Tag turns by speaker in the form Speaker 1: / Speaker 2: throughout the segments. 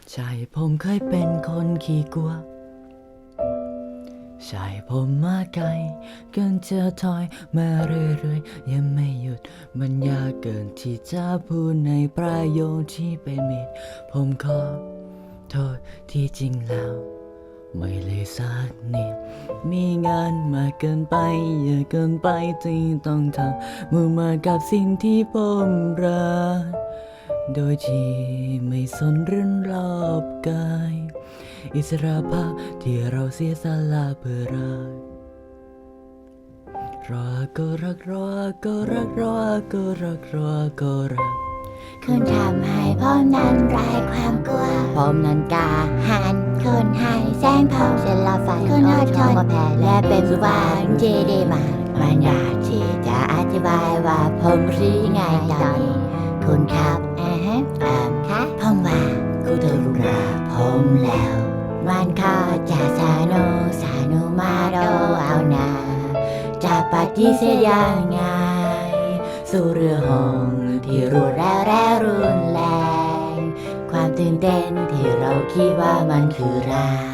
Speaker 1: ใช่ผมเคยเป็นคนขี้กลัวใช่ผมมาไกลเกินจะถอยมาเรื่อยๆยังไม่หยุดมันยากเกินที่จะพูดในประโยคที่เป็นมิตรผมขอโทษที่จริงแล้วไม่เลยสักนิดมีงานมากเกินไปเยอะเกินไปที่ต้องทำมุ่งมากับสิ่งที่ผมรักโดยที่ไม่สนเรื่องรอบกายอิสระภาพที่เราเสียสละเพื่อรักรอก็รักรอก็รักรอก็รักรอก็รัก
Speaker 2: คุณทำให้ผมนั้นไร้ความกลัวผมนั้นกล้าหาญคุณให้แสงทองเส้นละไฟคุณอดทนมาแผ่และเป็นสุวรรณที่ดีมากมันยากที่จะอธิบายว่าผมรู้ไงตอนนี้คุณครับครับผมว่าคุณเธอรู้รักผมแล้วมันก็จะสนุกมาโดเอาหนาจะปฏิเสธยังไงสู่เรือหงที่รวดแล้วและรุนแรงความตื่นเต้นที่เราคิดว่ามันคือรัก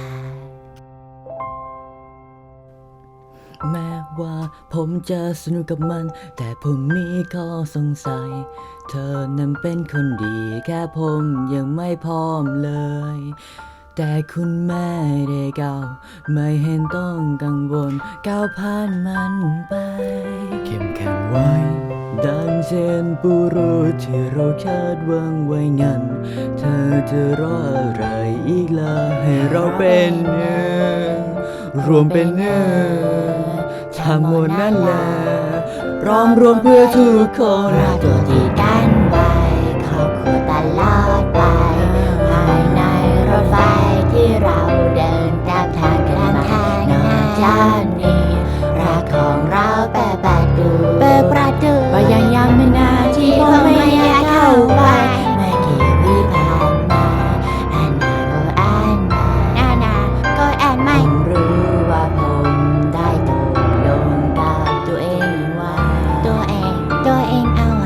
Speaker 1: แม้ว่าผมจะสนุกกับมันแต่ผมมีข้อสงสัยเธอนั้นเป็นคนดีแค่ผมยังไม่พร้อมเลยแต่คุณแม่ได้ก้าวไม่เห็นต้องกังวลก้าวผ่านมันไปเข้มแข็งไว้ดังเช่นปูรุษที่เราคาดหวังไว้งั้นเธอจะรออะไรอีกล่ะให้เราเป็นหนึ่งรวมเป็นหนึ่งทั้งหมดนั่นแหละร้อมรวมเพื่อทุกคน
Speaker 2: รักตัวที่กันไว้ครอบครัวตลอดไปภายในรถไฟที่เราเดินตามทางกันมานอกจากนี้รักของเราเปิดประตูก็ยังไม่นานที่ผมไม่อยากเข้าไปไม่กี่วิผ่านมาอันนาก็แอนไม่รู้ว่าผมได้ตกลงกับตัวเองว่าตัวเองเอาไว้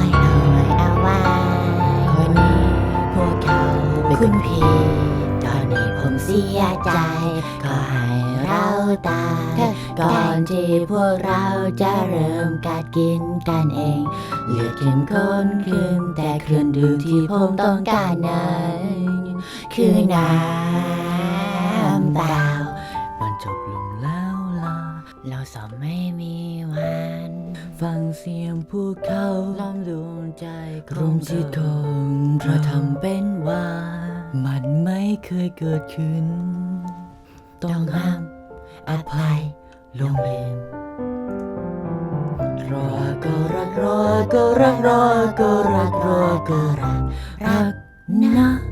Speaker 2: คนนี้พวกเขาเป็นคุณพี่ตอนนี้ผมเสียใจก็ให้เราตายก่อนที่พวกเราจะเริ่มกัดกินกันเองเลือดเข้มข้นขึ้นแต่เครื่องดื่มที่ผมต้องการนั้นคือน้ำเปล่า
Speaker 1: มันจบลงแล้วล่ะ
Speaker 2: เราสองไม่มีวัน
Speaker 1: ฟังเสียงพวกเขาล้อมดวงใจรวมจิตของเราทำเป็นว่ามันไม่เคยเกิดขึ้นต้องห้ามอภัยลงลืมรอก็รักรอก็รักรอก็รักรอก็รักนะ